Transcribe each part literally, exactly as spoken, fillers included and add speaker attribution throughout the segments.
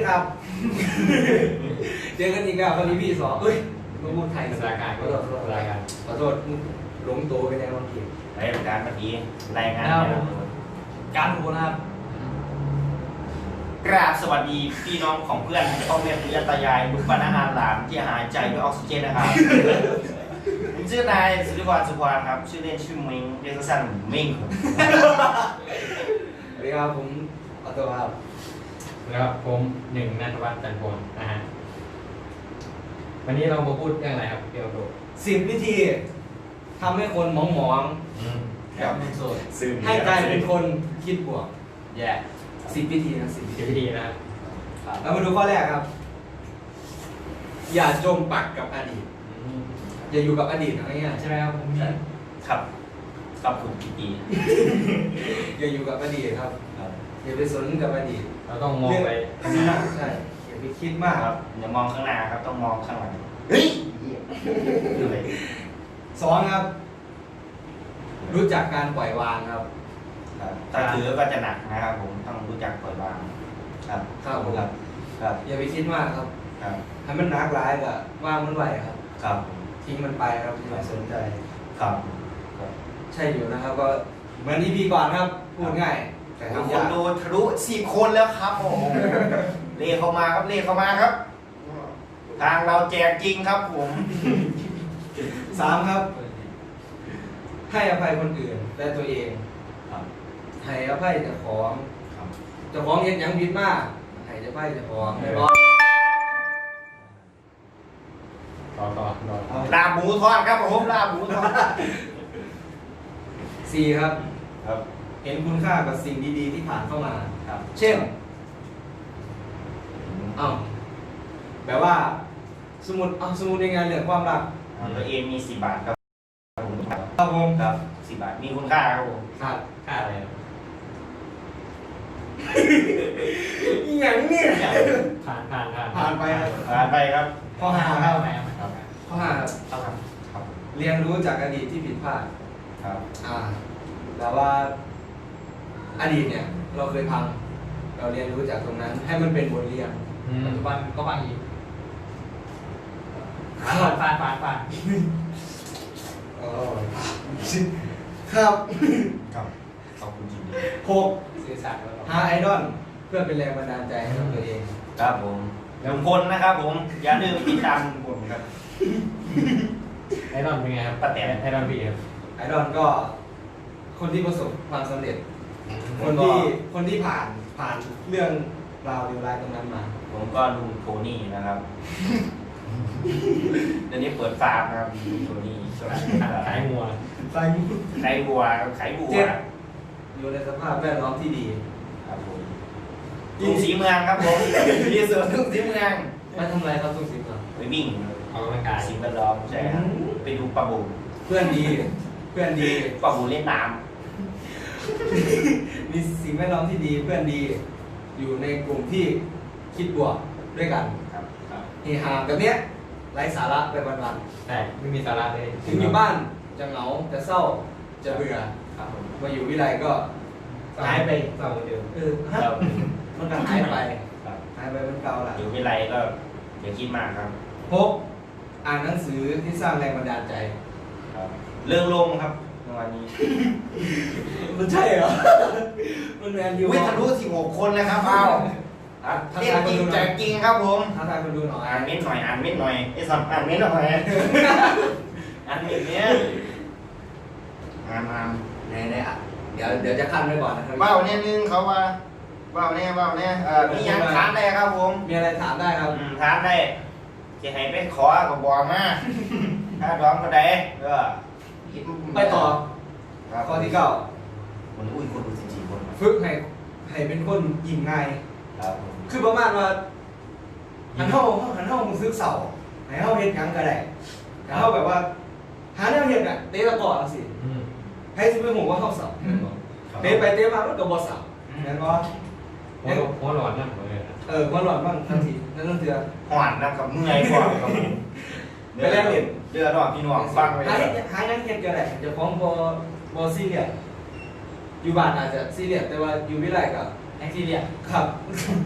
Speaker 1: ครับเจอกันอีกแล้ววันนี้พี่สองเอ้ยมาพูดไทยสถานการณ์ขอโทษรายการขอโทษหลงตัวไปในวันที่
Speaker 2: รายการเมื่อกี้รายงาน
Speaker 1: การหูนะครับ
Speaker 2: กราบสวัสดีพี่น้องของเพื่อนพ่อแม่พี่ตายายบุตรปนาหารหลานที่หายใจด้วยออกซิเจนนะครับผมชื่อนายสุริวรรณสุภาครับชื่อเล่นชื่อเม้งเรียกสั้นๆเม้ง
Speaker 1: สวัสดีครับผมขอโทษครับ
Speaker 3: แล้วผมหนึ่งนันทวัฒน์จันทร์พลนะฮะวันนี้เรามาพูดเรื่องอะไรครับเกี่ยวกับ
Speaker 1: สิบวิธีทำให้คนหมองหมองกับโสดให้กลายเป็นคนคิดบวกแย่สิบวิธีนะสิบ
Speaker 3: วิธีนะครับ
Speaker 1: แล้วมาดูข้อแรกครับอย่าจมปักกับอดีตอย่าอยู่กับอดีตอะไรเงี้ยใช่ไหมครับผม
Speaker 2: ครับครับคุณพี่ตี
Speaker 1: อย่าอยู่กับอดีตครับอย่าไปสนกับอดีต
Speaker 3: เราต้องมองไป
Speaker 1: ใช่อย่าไปคิดมาก
Speaker 2: ครับอย่ามองข้างหน้าครับต้องมองข้างหลังเฮ้ย
Speaker 1: สองครับรู้จักการปล่อยวางครับ
Speaker 2: ถ้าถือก็จะหนักนะครับผมต้องรู้จักปล่อยวางครับ
Speaker 1: ครับผม
Speaker 2: ครับครับ
Speaker 1: อย่าไปคิดมากครับ
Speaker 2: ครับ
Speaker 1: ให้มันหนักร้ายก็ว่างมันไหวครับ
Speaker 2: ครับ
Speaker 1: ทิ้งมันไปครับอย่าสนใจ
Speaker 2: ครับ
Speaker 1: ใช่อยู่นะครับก็เหมือนที่พี่ก่อนครับพูดง่าย
Speaker 2: แต่คนดูทะลุสี่คนแล้วครับโอ้เรียกเข้ามาครับเรียกเข้ามาครับทางเราแจกจริงครับผม
Speaker 1: สามครับให้อภัยคนอื่นและตัวเองให้อภัยเจ้าของเจ้าของเห็นอย่างผิดมากให้อภัยเจ้าของไม่บอก
Speaker 3: ต่อต่อต่อ
Speaker 2: ลาบหมูทอดครับผมลาบหมูทอด
Speaker 1: สี่ครับ
Speaker 2: ครับ
Speaker 1: เห็นคุณค่ากับสิ่งดีๆที่ผ่านเข้ามา
Speaker 2: ครับ
Speaker 1: เช่นอ้าวแบบว่าสมุดเอาสมุดยังไงเรื่องความรัก
Speaker 2: ตัวเองมีสี่บาทครับ
Speaker 1: ครับผม
Speaker 2: ครับสี่บาทมีคุณค่าครับผม
Speaker 1: ค่า
Speaker 3: ค่าอะไร
Speaker 1: อย่างนี้
Speaker 3: ผ่านผ่านผ่าน
Speaker 1: ผ่านไป
Speaker 2: ผ่านไปครับ
Speaker 1: ข้อห้าครับข้อห้า
Speaker 2: ครับครับ
Speaker 1: เรียนรู้จากอดีตที่ผิดพลาด
Speaker 2: ครับ
Speaker 1: อ่าแต่ว่าอดีตเนี่ยเราเคยพังเราเรียนรู้จากตรงนั้นให้มันเป็นบทเรียน
Speaker 3: ปัจจุบันก็พังอีก
Speaker 1: ผ่าน
Speaker 3: ผ่านผ่านผ่าน
Speaker 1: ครับ
Speaker 2: ครับขอบคุณจริง
Speaker 1: หก
Speaker 3: สื่อสาร
Speaker 1: หาไอดอลเพื่อเป็นแรงบันดาลใจให้กับตัวเอง
Speaker 2: ครับผมลุงพลนะครับผมอย่าลืมติดตามลุงพลครับ
Speaker 3: ไอดอลเป็นไงครับ
Speaker 2: ป้าแตน
Speaker 3: ไอดอลพี่ครับ
Speaker 1: ไอดอลก็คนที่ประสบความสำเร็จคนที่คนที่ผ่านผ่านเรื่องราวเรียวรายตรงนั้นมา
Speaker 2: ผมก็ลุงโทนี่นะครับเดี๋ยวนี้เปิดฟาร์มครับลุงโทนี่
Speaker 3: ขายงัว
Speaker 1: ขาย
Speaker 2: ขายวัวขายวัว
Speaker 1: อยู่ในสภาพแวดล้อมที่ดี
Speaker 2: ครับผมทุ่งสีเมืองครับผมที่สวนทุ่งสีเมือง
Speaker 1: ไปทำอะไรครับทุ่งสีเมือง
Speaker 2: ไปวิ่ง
Speaker 3: ออกกำลังกาย
Speaker 2: สิ่งแวดล้อมใช่ครับไปดูปลาบู
Speaker 1: เพื่อนดีเพื่อนดี
Speaker 2: ปลาบูเล่นน้
Speaker 1: ำมีสิ่งแวดล้อมที่ดีเพื่อนดีอยู่ในกลุ่มที่คิดบวกด้วยกัน
Speaker 2: ครับ
Speaker 1: เฮฮาแบบเนี้ยไร้สาระไปวัน
Speaker 3: ๆแต่ไม่มีสาระเลย
Speaker 1: ถึงอยู่บ้านจะเหงาจะเศร้าจะเบื่อมาอยู่วิไลก็หายไป
Speaker 3: เศร้าเดิม
Speaker 1: เออมันก็หายไปหายไปเป็นเก่าละ
Speaker 2: อยู่วิไลก็อย่าคิดมากครับ
Speaker 1: พกอ่านหนังสือที่สร้างแรงบันดาลใจ
Speaker 2: เรื่องลมครับในวันนี้
Speaker 1: มันใช่เหรอมันแมนยู
Speaker 2: วิทะลุสิบหกคนเลยครับเอาเรียกจริงแจกจริงครับผม
Speaker 1: ท้าทายคนดูหน่อย
Speaker 2: อ่านเม้นหน่อยอ่านเม้นหน่อยไอ้สับอ่านเม้นหน่อยอ่านเม้นเนี้ยอ่านอ่าน
Speaker 1: ไหนไหนอ่ะเดี๋ยวเดี๋ยวจะขั้นไว้ก่อนนะครับ
Speaker 2: เบ้าเนี่ยนึงเขาว่าเบ้าเนี่ยเบ้าเนี่ยเอ่อมียังถามได้ครับผม
Speaker 1: มีอะไรถามได้ครับ
Speaker 2: ถามได้จะให้ไปขอกับบอกมาถ้าร้องก็ได้เออ
Speaker 1: ไปต่อข้อที่เก้า
Speaker 2: คนอุ้ยคนดูจริงๆคน
Speaker 1: ฝึกให้ให้เป็นคนยิ้มง่าย
Speaker 2: ครับ
Speaker 1: คือประมาณว่าหันเท่าหันเท่ามึงซื้อเสาให้เท่าเฮ็ดยังก็ได้ให้เท่าแบบว่าหาแนวเฮ็ดอ่ะเตะตะกอนสิให้ซื้อไปหัวว่าเข้าเสาเตะไปเตะมามันก็บ่เสาเห็นบ่
Speaker 3: หัวหลอดนั่นเลย
Speaker 1: เออหัวหลอดบ้างทันทีนั่นนั่นเถื่อ
Speaker 2: หวานนะกับเมื่อยกว่าครับผม
Speaker 1: ไปแล้วเห็น
Speaker 2: เดือดร้อนพี่น้องฟังไว้
Speaker 1: หาหายังเฮ็ดก็ได้จะฟ้องบ่บ่ซีเรียสอยู่บ้านอาจจะซีเรียสแต่ว่าอยู่วิไลก็
Speaker 3: แอคซีเรียส
Speaker 1: ครับ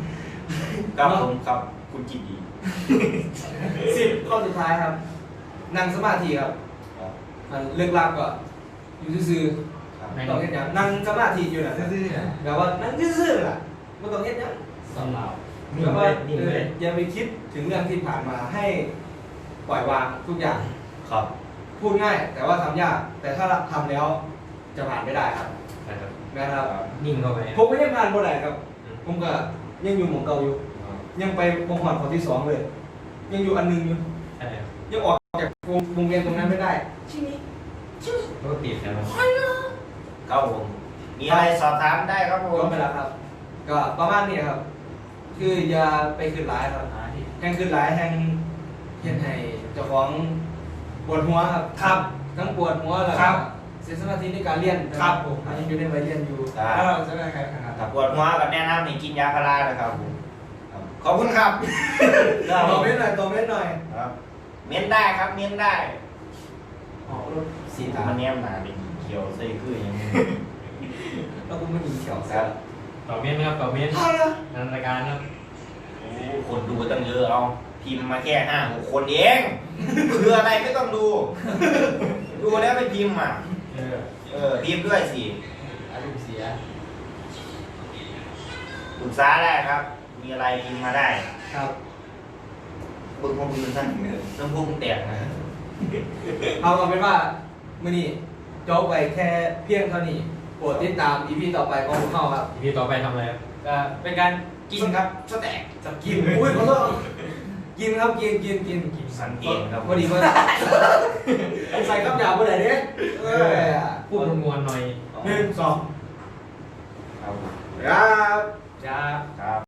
Speaker 2: ครับผมครับคุณจิตดี
Speaker 1: สิบข้อสุดท้ายครับ นั่งสมาธิครับ
Speaker 2: ครับ
Speaker 1: มันเลิกลักก็อยู่ซื่อ
Speaker 2: ครับ
Speaker 1: ๆต้องเฮ็ดหยังนั่งสมาธิอยู่น่ะซื่อๆน่ะแบบว่านั่งซื่อๆน่ะบ่ต้องเฮ็ดหยัง
Speaker 3: สำหรับนี่
Speaker 1: แบบ
Speaker 3: เล
Speaker 1: ว่าย
Speaker 3: นี่
Speaker 1: เอ
Speaker 3: เล
Speaker 1: อย อย่าไปคิดถึงเรื่องที่ผ่านมาให้ปล่อยวางทุกอย่าง
Speaker 2: ครับ
Speaker 1: พูดง่าย แต่ว่าทำยาก แต่ถ้าทำแล้วจะผ่านไม่ได้ครับ
Speaker 3: นะครับ
Speaker 1: นะครับ
Speaker 3: นิ่งเข้าไป
Speaker 1: ผมก็ยังผ่านบ่ได้ครับ ผมก็ยังอยู่หมองเก่าอยู่ ยังไปวงหอนข้อที่สองเลย ยังอยู่อันหนึงอยู่
Speaker 3: ใช่ครับ
Speaker 1: ยังออกจากวงวงเวียนตรงนั้นไม่ได้ชิมิชิมิ
Speaker 3: รถติดนะครับ
Speaker 2: ครับผมมีอะไรสอบถามได้ครับผ
Speaker 1: ก็
Speaker 2: ม
Speaker 1: ไปแล้วครับ ก็ประมาณนี้ครับ คืออย่าไปขึ้นร้ายครับแห่งขึ้นร้ายแห่งเห็นให้เจ้าของปวดหัวครับ
Speaker 2: ครับ
Speaker 1: ทั้งปวดหัวแล้ว
Speaker 2: ครั
Speaker 1: ก็
Speaker 2: บ
Speaker 1: เสียสมาธิในการเรียน
Speaker 2: ครับผม
Speaker 1: ยังอยู่ในวัยเรียนอยู่
Speaker 2: ครับ
Speaker 1: แล้วเราจะได้ใครครับ
Speaker 2: ถ้าปวดหัวก็แนะนำให้กินยาพารานะครับผมครับขอบคุณครับ
Speaker 1: ตอบเม้นหน่อยตอบเม้นหน่อย
Speaker 2: ครับ เม้นได้ครับเม้นได้
Speaker 1: อ๋อรถสี
Speaker 2: สี
Speaker 1: ตา
Speaker 2: มันแนมหนาเป็นเขียวใส่คืออย่างนี้
Speaker 1: แล้วกูไม่มีเขียว
Speaker 2: ค
Speaker 1: แซ่
Speaker 2: รั
Speaker 1: บบ
Speaker 3: ต่อเม้นนะครับต่อเม้น
Speaker 1: พอแล้ว
Speaker 3: นันรายการครับ
Speaker 2: โอ้คนดูตั้งเยอะเอาพิมพ์มาแค่ห้าหกคนเอง คืออะไรไม่ต้องดู ดูแล้วไม่พิมพ์อ่ะ
Speaker 3: เออ
Speaker 2: เออพิมพ์ด้วยสิ
Speaker 3: อารมณ์เสีย
Speaker 2: ปรึกษาได้ครับ มีอะไรพิมพ์มาได้
Speaker 1: ครับ
Speaker 2: เบิ้งพวกมือสั้นน้ำพุงแตกนะ
Speaker 1: เอาเอาเป็นว่ามื่อนี้จบไปแค่เพียงเท่านี้โปรดติดตาม อี พี ต่อไปของพวกเราครับ
Speaker 3: อีพีต่อไปทำอะไรครับ
Speaker 1: ก็เป็นการกินครับสแต็กจับกินอุ้ยขอโทษกินครับกินกินกินกิน
Speaker 2: สังเกตครับ
Speaker 1: พอดีว่าใส่คำหยาบไปไหนเนี่ยเออ
Speaker 3: พูดมวลๆหน่อย
Speaker 1: หนึ่งสอง
Speaker 2: ครับ
Speaker 1: ครับ
Speaker 3: จ้า
Speaker 2: ครับ